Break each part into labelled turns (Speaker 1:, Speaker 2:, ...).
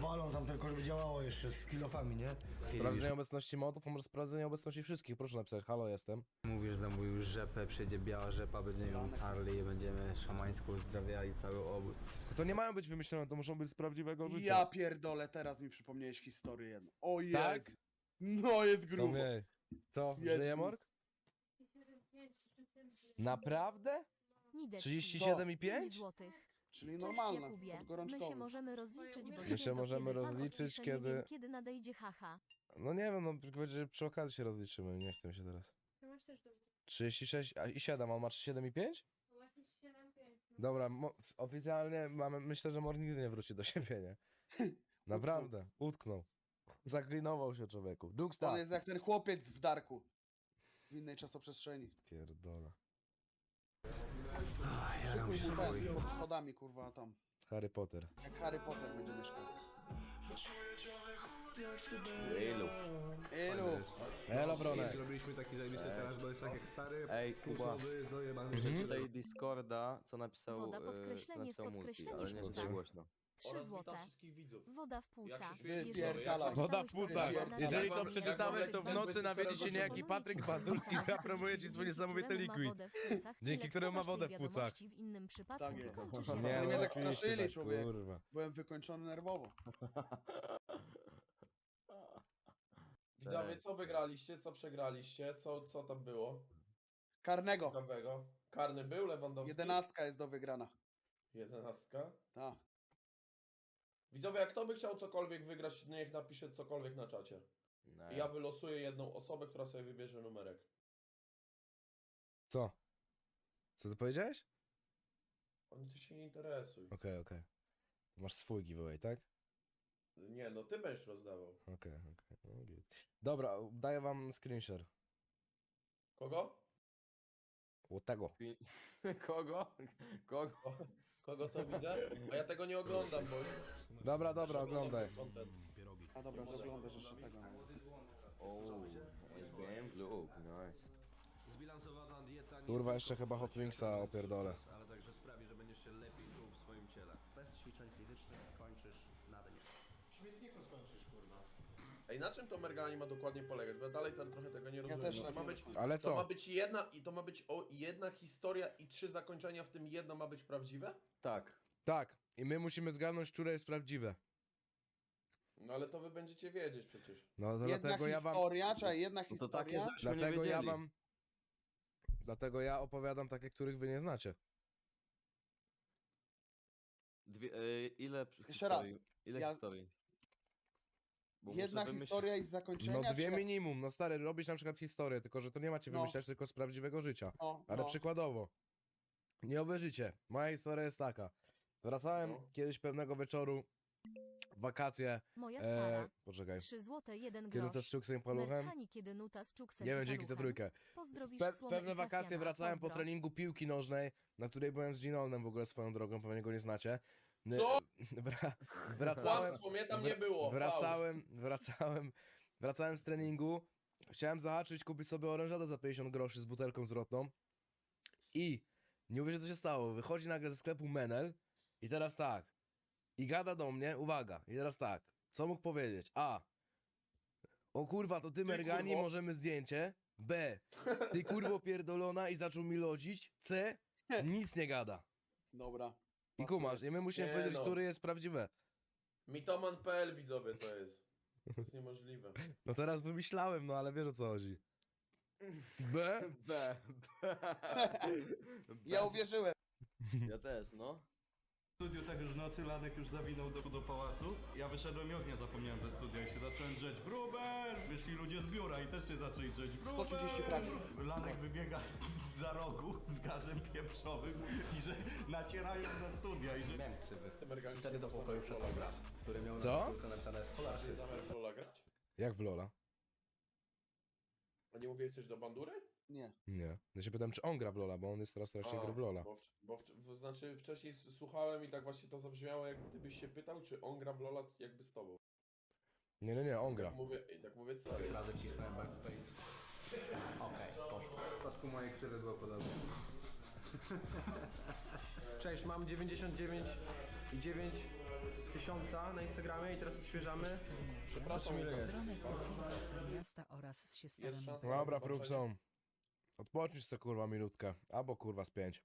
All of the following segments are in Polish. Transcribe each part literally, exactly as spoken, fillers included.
Speaker 1: walą tam tylko, żeby działało jeszcze z kilofami, nie?
Speaker 2: Sprawdzenie obecności modów, może sprawdzenie obecności wszystkich. Proszę napisać, halo, jestem.
Speaker 3: Mówisz, zamówił rzepę, przyjdzie biała rzepa, będziemy ją Harley, będziemy szamańsko uzdrawiali cały obóz.
Speaker 2: To nie mają być wymyślone, to muszą być z prawdziwego życia.
Speaker 4: Ja pierdolę, teraz mi przypomniałeś historię jedną. O jest!
Speaker 2: Tak?
Speaker 4: No jest
Speaker 2: No
Speaker 4: grubo.
Speaker 2: nie. Co,
Speaker 4: Jest
Speaker 2: żyje
Speaker 4: grubo.
Speaker 2: Morg? Naprawdę?
Speaker 5: Nidek,
Speaker 2: trzydzieści siedem i
Speaker 5: pięć
Speaker 2: pięć?
Speaker 5: złotych.
Speaker 4: Czyli
Speaker 5: Cześć
Speaker 4: normalna,
Speaker 5: Jakubie, my się
Speaker 4: podgorączkowy.
Speaker 5: możemy rozliczyć, bo
Speaker 2: My się
Speaker 5: święto,
Speaker 2: możemy
Speaker 5: kiedy pan
Speaker 2: rozliczyć,
Speaker 5: odpisze,
Speaker 2: kiedy-
Speaker 5: Nie wiem, kiedy nadejdzie haha.
Speaker 2: No nie wiem, no będzie przy okazji się rozliczymy, nie chcę mi się teraz. trzydzieści sześć a i siedem, a on ma trzydzieści siedem i pięć? Dobra, mo- oficjalnie mamy, myślę, że Mor nigdy nie wróci do siebie, nie? Naprawdę, utknął. Zaklinował się człowieku.
Speaker 4: On
Speaker 2: Juksta!
Speaker 4: jest jak ten chłopiec w Darku. W innej czasoprzestrzeni.
Speaker 2: Pierdolę.
Speaker 4: Szykuj mu ten, pod schodami kurwa tam.
Speaker 2: Harry Potter.
Speaker 4: Jak Harry Potter będzie mieszkał.
Speaker 6: Ilu?
Speaker 4: Ilu?
Speaker 2: Elo, Bronek.
Speaker 7: Zrobiliśmy taki zajebisty teraz, bo jest tak jak stary.
Speaker 6: Ej,
Speaker 7: Kuba.
Speaker 6: Kuba,
Speaker 7: Jest dojebany.
Speaker 2: Mhm.
Speaker 6: przeczytaj Discorda, co napisał,
Speaker 5: Woda,
Speaker 6: e,
Speaker 5: podkreślenie,
Speaker 6: co napisał Multi,
Speaker 5: podkreślenie,
Speaker 6: ale nie, że
Speaker 2: sztuka.
Speaker 6: za głośno.
Speaker 5: Trzy złote. Woda w płucach.
Speaker 4: Wypierdalaj.
Speaker 2: Woda w płucach. Jeżeli to
Speaker 4: Jak
Speaker 2: przeczytałeś, to w nocy nawiedzi się niejaki Patryk Bandurski i zapromuje ci swój niesamowity liquid. Dzięki któremu ma wodę w płucach.
Speaker 5: W innym przypadku
Speaker 4: Tak jest.
Speaker 5: skończy się
Speaker 4: Nie,
Speaker 5: na-
Speaker 4: mnie tak
Speaker 2: oczywiście,
Speaker 4: straszyli, człowieku.
Speaker 2: kurwa.
Speaker 4: Byłem wykończony nerwowo.
Speaker 8: Widzowie, co wygraliście, co przegraliście, co, co tam było?
Speaker 4: Karnego.
Speaker 8: Ciekawego. Karny był, Lewandowski?
Speaker 4: Jedenastka jest do wygrana.
Speaker 8: Jedenastka.
Speaker 4: Tak.
Speaker 8: Widzowie, jak kto by chciał cokolwiek wygrać, niech napisze cokolwiek na czacie. I ja wylosuję jedną osobę, która sobie wybierze numerek.
Speaker 2: Co? Co ty powiedziałeś?
Speaker 8: Oni ty się nie interesuj.
Speaker 2: Okej, okej. Masz swój giveaway, tak?
Speaker 8: Nie, no ty będziesz rozdawał.
Speaker 2: Okej, okej. No git. Dobra, daję wam screenshare.
Speaker 8: Kogo?
Speaker 2: O tego.
Speaker 6: Kogo? Kogo?
Speaker 8: Kogo co widzę? A ja tego nie oglądam, bo...
Speaker 2: Dobra, dobra, oglądaj.
Speaker 8: Content.
Speaker 4: A dobra, to oglądasz jeszcze tego.
Speaker 6: O, jest game look, nice.
Speaker 7: Zbilansowana dieta nie
Speaker 2: Kurwa,
Speaker 7: tylko
Speaker 2: jeszcze chyba Hot
Speaker 7: pomoże ci
Speaker 2: Wingsa
Speaker 7: osiągnąć
Speaker 2: opierdolę.
Speaker 7: sukces, ale także sprawi, że będziesz się lepiej czuł w swoim ciele. Bez ćwiczeń fizycznych skończysz na dnie.
Speaker 8: Ej, na czym to Mergani ma dokładnie polegać? Bo ja dalej tam trochę tego nie rozumiem.
Speaker 4: też
Speaker 8: to
Speaker 4: tak
Speaker 8: ma
Speaker 4: nie
Speaker 8: być,
Speaker 4: rozumiem.
Speaker 2: Ale
Speaker 8: to ma
Speaker 2: co?
Speaker 8: być jedna i to ma być o, jedna historia i trzy zakończenia, w tym jedno ma być prawdziwe?
Speaker 6: Tak.
Speaker 2: Tak. I my musimy zgadnąć, które jest prawdziwe.
Speaker 8: No ale to wy będziecie wiedzieć przecież.
Speaker 2: No to
Speaker 4: Jedna
Speaker 2: dlatego ja wam...
Speaker 4: historia, czy jedna
Speaker 6: No to takie
Speaker 4: historia?
Speaker 6: żeśmy nie
Speaker 2: Dlatego ja
Speaker 6: wiedzieli.
Speaker 2: wam... Dlatego ja opowiadam takie, których wy nie znacie.
Speaker 6: Dwie, e, ile
Speaker 4: Jeszcze raz.
Speaker 6: historii? Ile
Speaker 4: Ja-
Speaker 6: historii? Bo
Speaker 4: Jedna
Speaker 6: muszę wymyślić-
Speaker 4: historia i z zakończenia?
Speaker 2: No dwie
Speaker 4: czy...
Speaker 2: minimum. No stary, robisz na przykład historię, tylko że to nie macie
Speaker 4: No.
Speaker 2: wymyślać tylko z prawdziwego życia.
Speaker 4: No,
Speaker 2: Ale
Speaker 4: no.
Speaker 2: przykładowo, nie uwierzycie, moja historia jest taka. Wracałem
Speaker 8: No.
Speaker 2: kiedyś pewnego wieczoru, w wakacje,
Speaker 5: Moja
Speaker 2: e,
Speaker 5: stara.
Speaker 2: poczekaj,
Speaker 5: Trzy złote, jeden
Speaker 2: kiedy to
Speaker 5: grosz.
Speaker 2: z Czuksem i Paluchem,
Speaker 5: Merchani, kiedy nuta z Czuksem
Speaker 2: nie
Speaker 5: i
Speaker 2: wiem, dzięki za
Speaker 5: Paluchem.
Speaker 2: trójkę.
Speaker 5: Pozdrowisz
Speaker 2: Pe
Speaker 5: Słomę
Speaker 2: pewne
Speaker 5: i
Speaker 2: wakacje
Speaker 5: Kasjana.
Speaker 2: wracałem po
Speaker 5: Pozdro.
Speaker 2: treningu piłki nożnej, na której byłem z Ginolnem w ogóle swoją drogą, pewnie go nie znacie. N-
Speaker 8: Co?
Speaker 2: Wra wracałem,
Speaker 8: Kłamstwo, mnie tam nie
Speaker 2: wr-
Speaker 8: było.
Speaker 2: Wracałem, wracałem, wracałem z treningu, chciałem zahaczyć, kupić sobie orężadę za pięćdziesiąt groszy z butelką zwrotną i nie uwierzę, co się stało. Wychodzi nagle ze sklepu Menel i teraz tak, i gada do mnie, uwaga, i teraz tak, co mógł powiedzieć? A, o kurwa, to ty Mergani,
Speaker 8: kurwo.
Speaker 2: możemy zdjęcie. B, ty kurwo pierdolona i zaczął mi lodzić. C, nic nie gada.
Speaker 4: Dobra.
Speaker 2: I kumasz, i my musimy
Speaker 8: Nie
Speaker 2: powiedzieć,
Speaker 8: no.
Speaker 2: który jest prawdziwe.
Speaker 8: Mitoman kropka p l widzowie to jest. To jest niemożliwe.
Speaker 2: No teraz wymyślałem, no ale wiesz o co chodzi. B?
Speaker 6: B. B.
Speaker 4: Ja uwierzyłem.
Speaker 6: Ja też, no.
Speaker 7: W studiu tak już w nocy Lanek już zawinął do, do pałacu. Ja wyszedłem i ognia zapomniałem ze studia i się zacząłem drzeć. Wróbel! Wyszli ludzie z biura i też się zaczęli drzeć. Wróbel!
Speaker 4: sto trzydzieści fragów.
Speaker 7: Lanek wybiega z za rogu z gazem pieprzowym i że nacierają na studia i że... Miałem ksywy.
Speaker 8: Te Mergani
Speaker 7: Wtedy do pokoju wszedł brat, który miał
Speaker 2: Co?
Speaker 7: na koszulce napisane Solar
Speaker 8: Chcesz
Speaker 7: System.
Speaker 8: zamiar w Lola grać?
Speaker 2: Jak w Lola?
Speaker 8: A nie mówiłeś coś do bandury?
Speaker 4: Nie.
Speaker 2: Nie. Ja się pytam, czy on gra w Lola, bo on jest teraz strasznie
Speaker 8: A,
Speaker 2: gra w Lola.
Speaker 8: Bo, w, bo w, w, znaczy wcześniej s- słuchałem i tak właśnie to zabrzmiało, jak gdybyś się pytał, czy on gra w Lola jakby z tobą.
Speaker 2: Nie, nie, nie, on gra.
Speaker 8: Tak mówię, i tak mówię, co jest?
Speaker 7: Razy wcisnąłem backspace. Okej, poszło. W przypadku mojej ksywy było podobnie. Cześć, mam dziewięćdziesiąt dziewięć i dziewięć
Speaker 9: tysiąca na Instagramie i teraz odświeżamy.
Speaker 8: Przepraszam, ile jest?
Speaker 10: z miasta oraz z się
Speaker 8: Jest szansa.
Speaker 2: Dobra,
Speaker 8: na zobaczenie.
Speaker 2: Pruxon. Odpocznij se kurwa minutkę. Albo kurwa z pięć.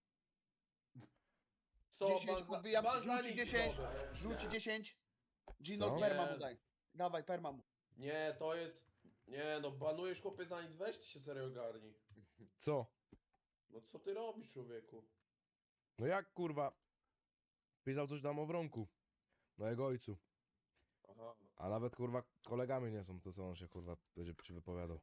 Speaker 8: Co,
Speaker 4: dziesięć,
Speaker 8: ban za-
Speaker 4: podbijam,
Speaker 8: ban za
Speaker 4: rzuci
Speaker 8: nic
Speaker 4: dziesięć,
Speaker 8: zrobię.
Speaker 4: rzuci dziesięć. Gino,
Speaker 2: Co?
Speaker 4: perma
Speaker 8: Nie.
Speaker 4: mu daj. Dawaj, perma mu.
Speaker 8: Nie, to jest... Nie no, banujesz chłopie za nic, weź ty się serio ogarnij.
Speaker 2: Co?
Speaker 8: No co ty robisz, człowieku?
Speaker 2: No jak kurwa? Pisał coś tam o Wronku. Na jego ojcu.
Speaker 8: Aha.
Speaker 2: A nawet kurwa kolegami nie są, to co on się kurwa będzie ci wypowiadał.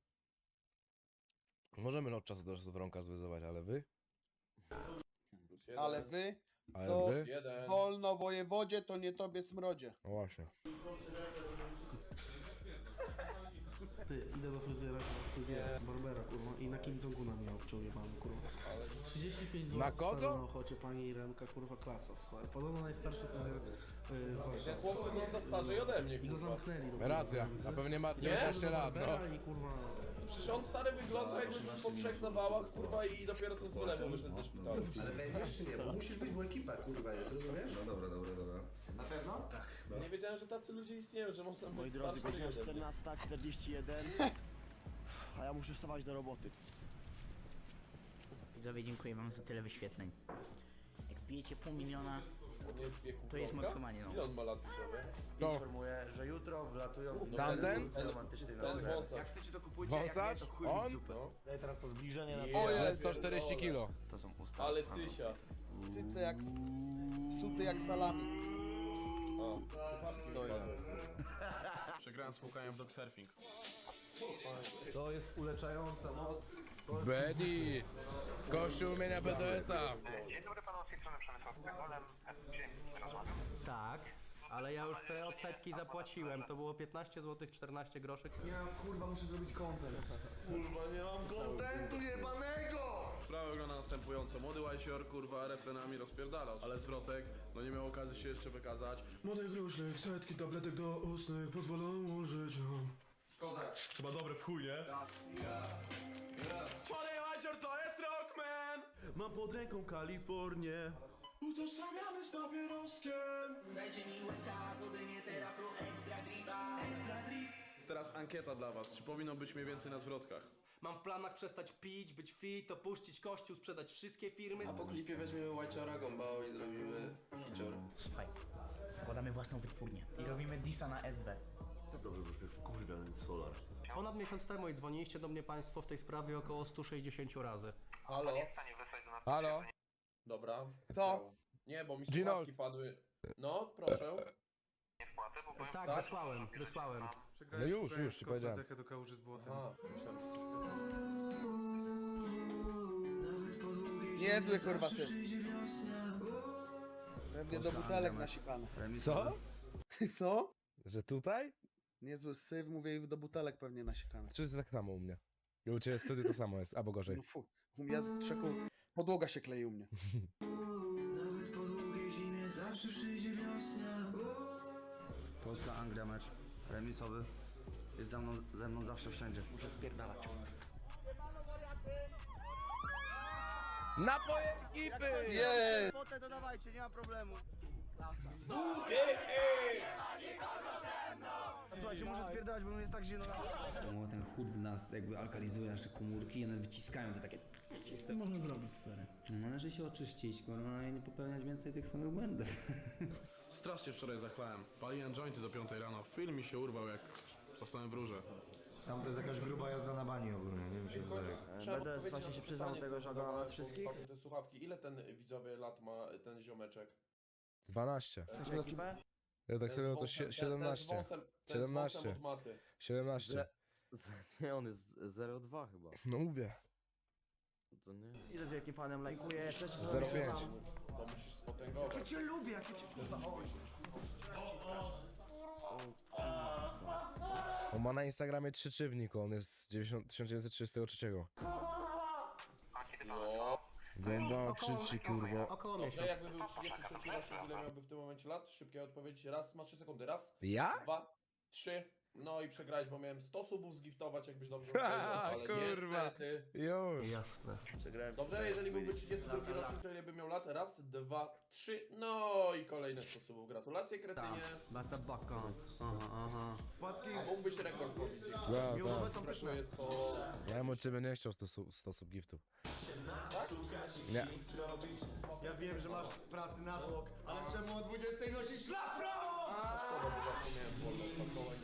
Speaker 2: Możemy od czasu do czasu Wronka zwyzywać, ale wy?
Speaker 8: Plus jeden.
Speaker 4: Ale wy,
Speaker 2: Ale
Speaker 4: co
Speaker 2: wy?
Speaker 8: Jeden.
Speaker 4: wolno wojewodzie, to nie tobie smrodzie.
Speaker 2: No właśnie.
Speaker 9: Ty, idę do fryzjera, fryzjera, barbera, kurwa, i na Kim Jong-una miał wczoraj mam, kurwa.
Speaker 8: Ale...
Speaker 9: trzydzieści pięć złotych
Speaker 2: Na kogo?
Speaker 9: stary, na ochocie pani Iremka, kurwa, klasa, stary. Podobno najstarszy fryzjer yy, w
Speaker 8: Jak
Speaker 9: Warszawie.
Speaker 8: chłop wygląda starzej ode mnie,
Speaker 9: I go
Speaker 8: kurwa.
Speaker 9: zamknęli. do
Speaker 2: Racja,
Speaker 9: kurwa.
Speaker 2: a pewnie ma
Speaker 9: Ja
Speaker 2: dziewiętnaście
Speaker 9: poszedłem do
Speaker 2: lat, no.
Speaker 9: barbera I kurwa...
Speaker 8: Przecież on stary wygląda jakby był po trzech zawałach, kurwa, i dopiero co z wylewu wyszedł ze szpitala.
Speaker 1: Ale będziesz czy nie? Bo musisz być, bo ekipa kurwa jest, rozumiesz?
Speaker 11: No dobra, dobra, dobra.
Speaker 1: Na pewno? Tak.
Speaker 8: Nie wiedziałem, że tacy ludzie istnieją, że można być
Speaker 12: Moi drodzy,
Speaker 8: starszy
Speaker 12: godzina
Speaker 8: ode mnie.
Speaker 12: czternasta czterdzieści jeden, a ja muszę wstawać do roboty.
Speaker 10: Widzowie, dziękuję wam za tyle wyświetleń. Jak bijecie pół miliona,
Speaker 8: On jest w wieku
Speaker 10: to jest
Speaker 8: Wronka?
Speaker 10: maksymalnie, no.
Speaker 8: Ile on ma lat, widzowie?
Speaker 2: To.
Speaker 11: Informuję, że jutro wlatują
Speaker 8: No
Speaker 2: Tamten?
Speaker 8: Ten,
Speaker 11: romantyczny
Speaker 8: ten
Speaker 11: na
Speaker 8: wąsacz.
Speaker 11: Jak chcecie to kupujcie,
Speaker 2: Wąsacz?
Speaker 11: jak nie to chuj mi w
Speaker 2: On?
Speaker 11: dupę.
Speaker 8: No.
Speaker 12: Daję teraz to zbliżenie na
Speaker 8: Je-
Speaker 4: O
Speaker 2: Ale
Speaker 4: jest.
Speaker 2: sto czterdzieści kilo.
Speaker 11: To są usta.
Speaker 8: Ale cysia.
Speaker 4: Cyce jak... Suty jak salami.
Speaker 8: O, no ja.
Speaker 7: Przegrałem z Fukajem w dogsurfing.
Speaker 9: To jest uleczająca moc.
Speaker 2: Bedi! Kościół imienia B D S-a.
Speaker 9: Tak, ale ja już te odsetki zapłaciłem. To było piętnaście złotych czternaście groszy.
Speaker 12: Nie mam, kurwa, muszę zrobić content. Kurwa, nie mam kontentu jebanego!
Speaker 7: Sprawa wygląda następująco. Młody Łajsior, kurwa, refrenami rozpierdalał, ale zwrotek, no nie miał okazji się jeszcze wykazać. Młody gruszek, setki tabletek do ustnych pozwolą żyć nam. Kozak. Chyba dobre w chuj, nie? Młody Łajsior to jest rockman! Mam pod ręką Kalifornię. Utożsamiany z papieroskiem. Dajcie mi łyka, budynie teraflu, ekstra gripa, ekstra grip. Teraz ankieta dla was. Czy powinno być mniej więcej na zwrotkach?
Speaker 9: Mam w planach przestać pić, być fit, opuścić kościół, sprzedać wszystkie firmy.
Speaker 6: A po klipie weźmiemy White'ora Gombao i zrobimy hicior.
Speaker 10: Słuchaj, zakładamy własną wytwórnię i robimy disa na S B.
Speaker 12: To dobrze, bo już kurwa, ten solar.
Speaker 9: Ponad miesiąc temu i dzwoniliście do mnie państwo w tej sprawie około sto sześćdziesiąt razy.
Speaker 8: Halo?
Speaker 2: Halo?
Speaker 8: Dobra.
Speaker 4: Kto?
Speaker 8: Nie, bo mi
Speaker 2: Gino.
Speaker 8: słuchawki padły. No, proszę.
Speaker 9: Tak,
Speaker 8: Tak?
Speaker 9: wysłałem, wysłałem.
Speaker 2: No już, już ci powiedziałem.
Speaker 7: do kałuży z błotem.
Speaker 8: Aha.
Speaker 4: Niezły kurwa syn. Pewnie do butelek nasikane.
Speaker 2: Co?
Speaker 4: Co?
Speaker 2: Że tutaj?
Speaker 4: Niezły syf, mówię, i do butelek pewnie nasikane.
Speaker 2: Czy jest tak samo u mnie? I u ciebie w studiu to samo jest, albo gorzej.
Speaker 4: No fu, u mnie trzeku... Podłoga się klei u mnie.
Speaker 3: Polska Anglia mecz remisowy. Jest ze mną, ze mną zawsze wszędzie.
Speaker 12: Muszę spierdalać.
Speaker 2: Napoje ekipy!
Speaker 4: Jej!
Speaker 12: Potę to dawajcie, nie ma problemu. Słuchajcie, muszę spierdalać, bo mi jest tak zimno.
Speaker 3: No, ten chód w nas jakby alkalizuje nasze komórki i one wyciskają to takie...
Speaker 9: Co można zrobić, stary?
Speaker 3: No, należy się oczyścić, kurwa, i nie popełniać więcej tych samych błędów.
Speaker 7: Strasznie wczoraj zachlałem. Paliłem jointy do piątej rano. Film mi się urwał jak zostałem w rurze.
Speaker 1: Tam to jest jakaś gruba jazda na bani ogólnie, nie wiem się wydaje.
Speaker 8: Trzeba
Speaker 12: B D S
Speaker 8: odpowiedzieć
Speaker 12: właśnie
Speaker 8: na
Speaker 12: się
Speaker 8: to
Speaker 12: przyznał
Speaker 8: pytanie,
Speaker 12: tego,
Speaker 8: co
Speaker 12: że ogląda nas
Speaker 8: zadawałem, bo
Speaker 12: wszystkich.
Speaker 8: wpadły te słuchawki. Ile ten widzowie lat ma ten ziomeczek?
Speaker 2: dwanaście.
Speaker 12: Chcesz ekipę?
Speaker 2: Ja tak
Speaker 8: Ten
Speaker 2: serio
Speaker 8: z
Speaker 2: to
Speaker 8: wąsem-
Speaker 2: sie-
Speaker 8: ten- ten z
Speaker 2: siedemnaście.
Speaker 8: wąsem- ten z
Speaker 2: siedemnaście.
Speaker 8: wąsem od maty.
Speaker 2: siedemnaście.
Speaker 6: Nie, on jest zero przecinek dwa chyba.
Speaker 2: No mówię.
Speaker 6: To nie.
Speaker 12: I że z wielkim fanem lajkuję.
Speaker 2: zero przecinek pięć.
Speaker 8: To musisz spotęgować.
Speaker 12: Ja cię lubię, jak ja cię kurwa...
Speaker 2: On ma na Instagramie trzy trzywnik, on jest z dziewięćdziesiąt tysiąc dziewięćset trzydziestego trzeciego.
Speaker 8: No.
Speaker 2: Gęba krzyczy, kurwa.
Speaker 9: Około
Speaker 8: Dobrze,
Speaker 9: miesiąc.
Speaker 8: jakby był trzydziesty trzeci rocznik, ile miałby w tym momencie lat? Szybkie odpowiedź. Raz, masz trzy sekundy. Raz,
Speaker 2: Ja?
Speaker 8: dwa, trzy. No i przegrałeś, bo miałem sto subów zgiftować, jakbyś dobrze powiedział, ale
Speaker 2: kurwa.
Speaker 8: niestety.
Speaker 2: Już.
Speaker 9: Jasne.
Speaker 12: Przegrałem
Speaker 8: Dobrze, jeżeli byłby trzydziesty drugi rocznik, to ile by miał lat? Raz, dwa, trzy. No i kolejne sto subów. Gratulacje, kretynie.
Speaker 9: Bata baka. Aha, aha.
Speaker 12: Wpadki.
Speaker 8: A mógłbyś rekord pobić.
Speaker 2: No,
Speaker 12: Miłowe
Speaker 2: tak.
Speaker 12: są pyszne.
Speaker 8: Brakuje sto...
Speaker 2: Ja bym od ciebie nie chciał sto osób giftów. Nie.
Speaker 12: Ja wiem, że masz pracy na tłok, ale czemu o dwudziestej nosisz szlafrok?
Speaker 8: A szkoda, bo właśnie miałem wolne spakować.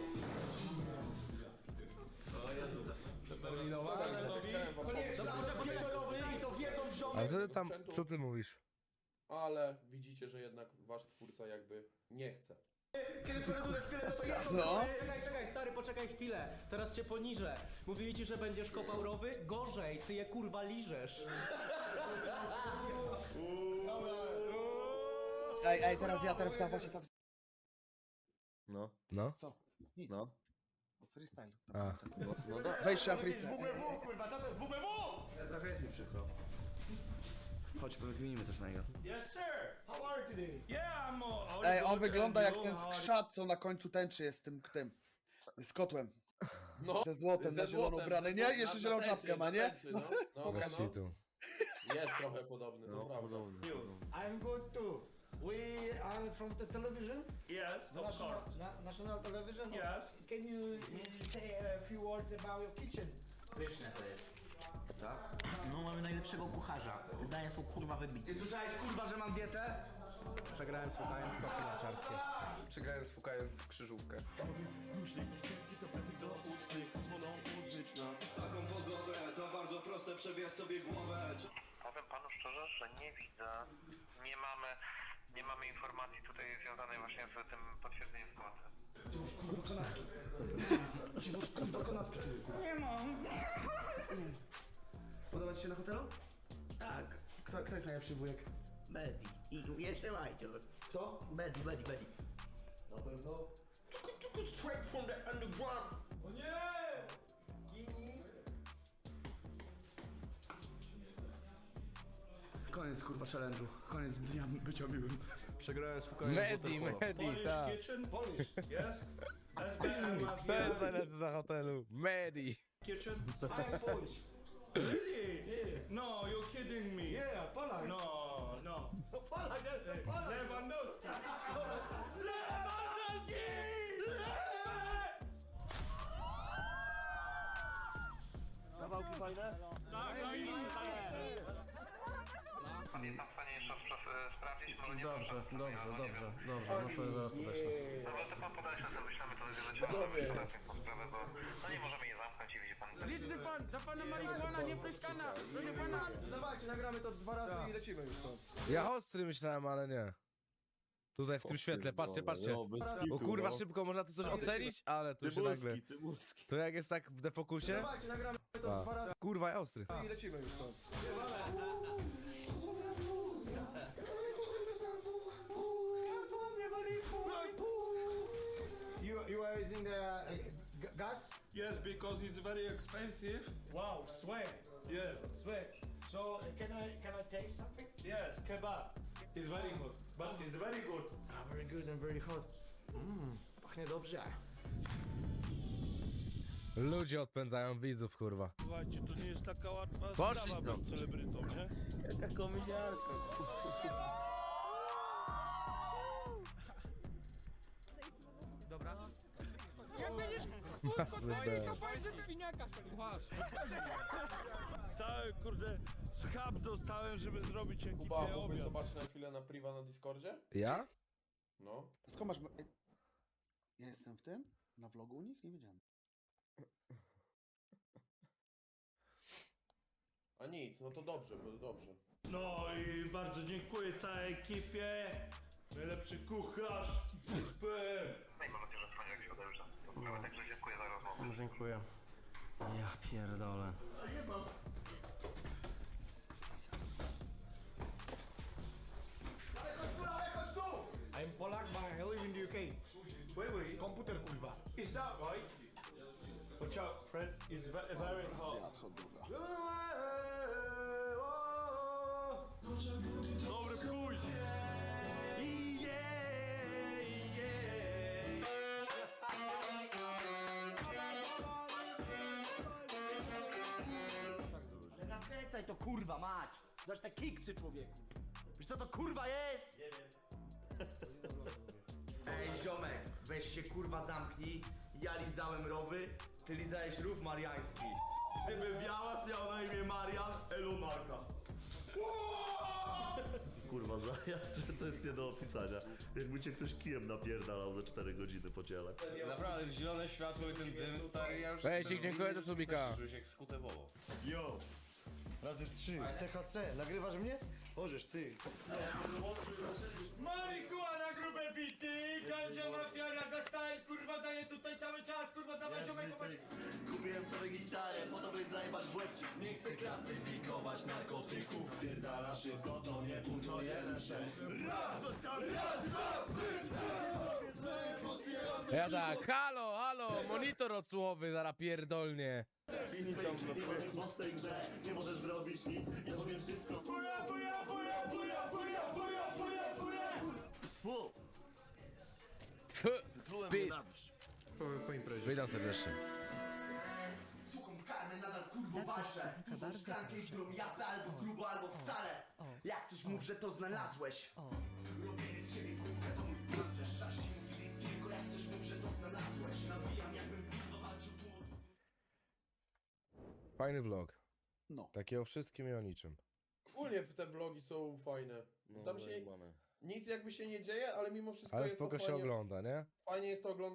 Speaker 12: To nie jest szlafrok wieczorowy i to wiedzą
Speaker 2: A
Speaker 12: ziomy.
Speaker 2: co ty tam, co ty mówisz?
Speaker 8: Ale widzicie, że jednak wasz twórca jakby nie chce.
Speaker 12: Kiedy przeroduję szkielet, to jest
Speaker 2: Co?
Speaker 9: Czekaj, czekaj, stary, poczekaj chwilę. Teraz cię poniżę. Mówili ci, że będziesz kopał rowy? Gorzej, ty je kurwa liżesz.
Speaker 4: Ej, ej, teraz ja, teraz ta właśnie ta...
Speaker 11: No,
Speaker 2: No?
Speaker 4: Co? Nic.
Speaker 11: no.
Speaker 4: Freestyle.
Speaker 2: A.
Speaker 11: No, no da.
Speaker 4: Weź na
Speaker 12: To jest
Speaker 4: freestyle. Ej, ej,
Speaker 12: W B W, kurwa, to jest W B W!
Speaker 11: Trochę jest mi przykro. Chodź, powykminimy coś na niego.
Speaker 7: Yes, sir.
Speaker 12: How are you today?
Speaker 7: Yeah, I'm all...
Speaker 4: Ej, on wygląda jak ten skrzat, co na końcu tęczy jest z tym, tym, z kotłem.
Speaker 8: No,
Speaker 4: Ze złotem, na zielono
Speaker 8: złotem,
Speaker 4: ubrany,
Speaker 8: ze
Speaker 4: nie?
Speaker 8: złotem,
Speaker 4: Jeszcze
Speaker 8: na
Speaker 4: zieloną
Speaker 8: tęczy,
Speaker 4: czapkę ma,
Speaker 8: na
Speaker 4: nie?
Speaker 8: tęczy, No, no,
Speaker 2: Bez
Speaker 8: no.
Speaker 2: kitu.
Speaker 8: Jest trochę podobny, to
Speaker 11: No,
Speaker 8: prawda.
Speaker 11: podobny. podobny.
Speaker 12: I'm good too. We are from the television.
Speaker 7: Yes, of
Speaker 12: National,
Speaker 7: course.
Speaker 12: na, national television.
Speaker 7: Yes.
Speaker 12: Can you uh, say a few words about your kitchen?
Speaker 10: Pyszne to jest.
Speaker 11: Tak?
Speaker 10: No mamy najlepszego kucharza. Dania są kurwa wybitne.
Speaker 11: Ty słyszałeś, kurwa, że mam dietę?
Speaker 9: Przegrałem słuchając skoki narciarskie.
Speaker 6: Przegrałem z Fukajem w krzyżówkę.
Speaker 7: Taką pogodę, to bardzo proste, przewijać sobie głowę.
Speaker 13: Powiem panu szczerze, że nie widzę, nie mamy, nie mamy informacji tutaj związanej właśnie z tym potwierdzeniem składu.
Speaker 12: Nie mam.
Speaker 11: Podoba ci się na hotelu?
Speaker 10: Tak.
Speaker 11: Kto, kto jest najlepszy wujek?
Speaker 10: Betty. I jeszcze Majcior.
Speaker 11: Kto?
Speaker 10: Betty, Betty, Betty.
Speaker 12: Na pewno.
Speaker 7: Straight from the underground. O nie!
Speaker 11: Koniec, kurwa, challenge'u. Koniec dnia bycia miłym.
Speaker 9: Przegrałem słuchając
Speaker 2: Medi, Medi, tak.
Speaker 7: kitchen? Polish, yes? That's better.
Speaker 2: To jest najlepsze na hotelu. Medi.
Speaker 7: Kitchen?
Speaker 12: I'm Polish.
Speaker 7: Really? No, you're kidding me.
Speaker 12: Yeah, Polak.
Speaker 7: No, no.
Speaker 12: No Polak, jestem Polak.
Speaker 7: Lewandowski! Lewandowski!
Speaker 12: Kawałki fajne?
Speaker 7: Tak, no i
Speaker 13: Pan jest tam w stanie jeszcze spra- sprawdzić, może nie
Speaker 9: Dobrze,
Speaker 13: są
Speaker 9: dobrze, dobrze, dobrze, no to zaraz podeślę.
Speaker 13: Dobra, to pan podaje się, to wyślemy to lecimy tą sprawę, bo no nie możemy je zamknąć i widzi pan.
Speaker 7: Liczny pan, dla pana marihuana nie pryskana! Proszę pana!
Speaker 11: Dawajcie, nagramy to dwa razy i lecimy już to.
Speaker 2: Ja ostry myślałem, ale nie. Tutaj w tym świetle, patrzcie, patrzcie. O kurwa, szybko można tu coś ocenić, ale tu się nagle... To jak jest tak w defokusie?
Speaker 11: Dawajcie, nagramy to
Speaker 2: A.
Speaker 11: dwa razy
Speaker 2: Kurwa, ja ostry.
Speaker 11: i lecimy już to.
Speaker 12: You, you are using the uh, g- gas?
Speaker 7: Yes, because it's very expensive.
Speaker 12: Wow, swag.
Speaker 7: Yes,
Speaker 12: Swag. So uh, can I can I taste something?
Speaker 7: yes, kebab. It's very good, but it's very good.
Speaker 12: Ah, very good and very hot. Mmm, pachnie dobrze.
Speaker 2: Ludzie odpędzają widzów, kurwa.
Speaker 7: Słuchajcie, to nie jest taka łatwa
Speaker 2: Poszli
Speaker 7: sprawa
Speaker 2: stąd.
Speaker 7: być celebrytą, nie?
Speaker 9: Jaka komediarka.
Speaker 7: Dobra.
Speaker 2: Masny B.
Speaker 7: Cały, kurde, schab dostałem, żeby zrobić ekipę
Speaker 8: Kuba, mógłbyś
Speaker 7: obiad.
Speaker 8: zobaczyć na chwilę na priwa na Discordzie?
Speaker 2: Ja?
Speaker 8: No.
Speaker 4: Skąd masz... Ej, ja jestem w tym? Na vlogu u nich? Nie wiedziałem.
Speaker 8: A nic, no to dobrze, bo dobrze.
Speaker 7: No i bardzo dziękuję całej ekipie. Najlepszy kucharz. Super.
Speaker 13: No i mam nadzieję, że w poniedziałek się uda już zastosować, także dziękuję za rozmowę.
Speaker 9: Dziękuję. Ja pierdolę.
Speaker 12: I'm Polak, but I live in the U K.
Speaker 7: Wait, wait.
Speaker 12: Komputer, kurwa.
Speaker 7: Is that right? Watch out, Fred. It's very, very hot.
Speaker 4: Zjadł hot doga.
Speaker 7: Dobry pójść.
Speaker 10: Przestań to kurwa mać! Zobacz te kiksy, człowieku! Wiesz co to kurwa jest?
Speaker 11: Ej, ziomek, weź się kurwa zamknij. Ja lizałem rowy, ty lizałeś rów mariański. Gdyby Białas miał na imię Marian, Elonarka.
Speaker 12: Kurwa, zajazd, że to jest nie do opisania. Jakby cię ktoś kijem napierdalał za cztery godziny po ciele.
Speaker 7: Naprawdę, zielone światło i ten dym, stary, ja już...
Speaker 2: Weź, dziękuję do Subika.
Speaker 7: Czuję się jak skutewowo.
Speaker 1: Yo! Razy trzy. T H C, nagrywasz mnie? Możesz, ty.
Speaker 7: Marihuana, grube bity, ganja mafia, raga style, kurwa daje tutaj cały czas, kurwa dawaj ziomek,
Speaker 12: Kupiłem sobie gitarę, po to by zajebać w łeb. Nie chcę klasyfikować narkotyków. Pierdala szybko, to nie pół, to jeden sześć. Raz, raz, dwa, trzy,
Speaker 2: Ja tak, halo, halo, monitor odsłuchowy, zaraz pierdolnie.
Speaker 12: Nie możesz w tej grze, nie możesz zrobić nic. Ja powiem wszystko. Fuja, fuja, fuja, fuja, fuja, fuja, fuja, fuja. Wow.
Speaker 2: Speed.
Speaker 3: Po, po imprezie.
Speaker 2: Witam serdecznie.
Speaker 11: Słucham karmy, nadal kurwo walczę. Dużą szklankę i którą japę albo grubo, albo wcale. Jak coś mów, że to znalazłeś. Robienie z siebie kubka to mój pancerz. Starsi mówili tylko jak coś mów, że to znalazłeś. Nawijam jakbym kurwa walczył tu.
Speaker 2: Fajny vlog.
Speaker 4: No.
Speaker 2: Takie o wszystkim i o niczym.
Speaker 8: Ogólnie te vlogi są fajne. Tam się nic jakby się nie dzieje, ale mimo wszystko
Speaker 2: Ale
Speaker 8: jest
Speaker 2: spoko
Speaker 8: to
Speaker 2: się
Speaker 8: fajnie,
Speaker 2: ogląda, nie?
Speaker 8: fajnie jest to oglądać.